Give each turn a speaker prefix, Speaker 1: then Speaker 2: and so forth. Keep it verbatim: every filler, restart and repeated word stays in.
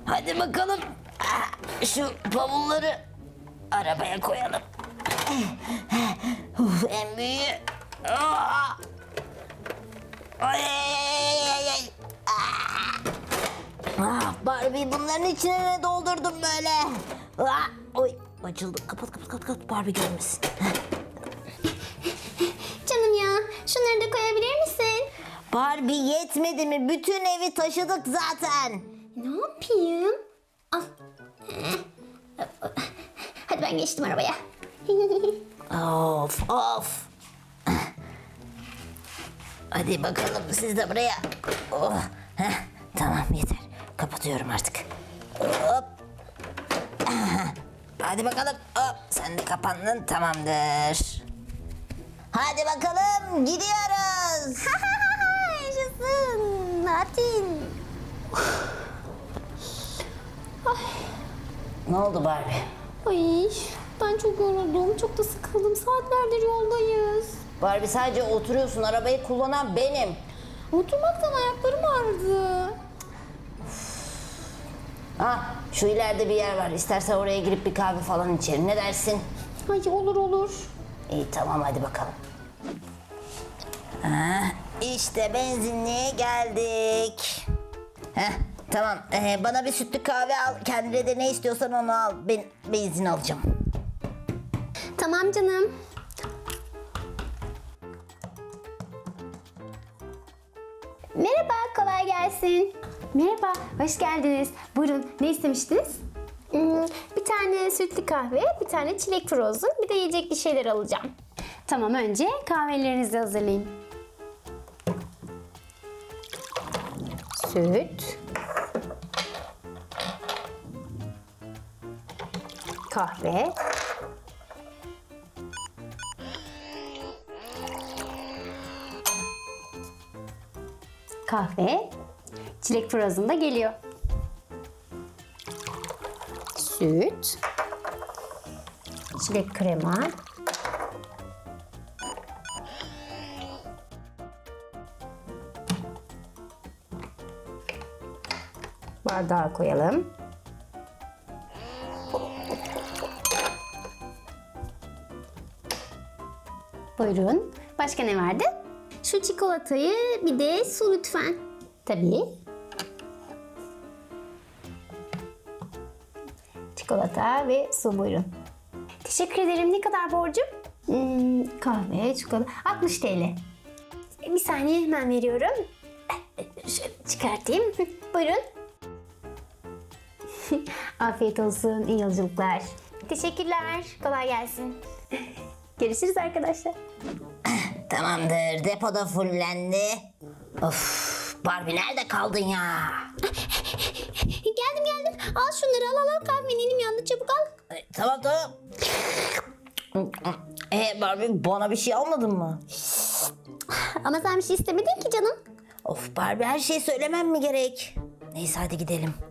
Speaker 1: Hadi bakalım. Şu bavulları arabaya koyalım. Uf, en büyüğü. Aa! Ay, ay, ay, ay. Ah, Barbie bunların içine ne doldurdum böyle? Ah, oy, açıldı. Kapat kapat kapat kapat. Barbie görmesin.
Speaker 2: Canım ya, şunları da koyabilir misin?
Speaker 1: Barbie yetmedi mi? Bütün evi taşıdık zaten.
Speaker 2: Ne yapayım? Al. Hadi ben geçtim arabaya.
Speaker 1: Of of. Hadi bakalım siz de buraya. Oh. Heh, tamam yeter. Kapatıyorum artık. Hop. Hadi bakalım. Hop. Sen de kapandın. Tamamdır. Hadi bakalım gidiyoruz.
Speaker 2: Yaşasın. Natin.
Speaker 1: Ne oldu Barbie?
Speaker 2: Ay, ben çok yoruldum. Çok da sıkıldım. Saatlerdir yoldayız.
Speaker 1: Barbie sadece oturuyorsun. Arabayı kullanan benim.
Speaker 2: Oturmaktan ayaklarım ağrıdı.
Speaker 1: Ha, şu ileride bir yer var. İstersen oraya girip bir kahve falan içelim. Ne dersin?
Speaker 2: Ay olur olur.
Speaker 1: İyi tamam hadi bakalım. Ha, işte benzinliğe geldik. Heh, tamam ee, bana bir sütlü kahve al. Kendine de ne istiyorsan onu al. Ben benzin alacağım.
Speaker 2: Tamam canım. Merhaba, kolay gelsin. Merhaba, hoş geldiniz. Buyurun, ne istemiştiniz? Hmm, bir tane sütlü kahve, bir tane çilek frozen, bir de yiyecek bir şeyler alacağım. Tamam, önce kahvelerinizi hazırlayın. Süt. Kahve. Kahve. Çilek frozen da geliyor. Süt. Çilek krema. Bardağa koyalım. Buyurun. Başka ne vardı? Şu çikolatayı bir de su lütfen. Tabii. Çikolata ve su buyurun. Teşekkür ederim. Ne kadar borcum? Hmm, kahve, çikolata. altmış T L. Bir saniye hemen veriyorum. Şöyle çıkartayım. Buyurun. Afiyet olsun. İyi yolculuklar. Teşekkürler. Kolay gelsin. Görüşürüz arkadaşlar.
Speaker 1: Tamamdır depoda fullendi. Of Barbie nerede kaldın ya?
Speaker 2: Geldim geldim. Al şunları al al al. Kahven elim yandı. Çabuk al.
Speaker 1: E, tamam tamam. E Barbie bana bir şey almadın mı?
Speaker 2: Ama sen bir şey istemedin ki canım.
Speaker 1: Of Barbie her şeyi söylemem mi gerek? Neyse hadi gidelim.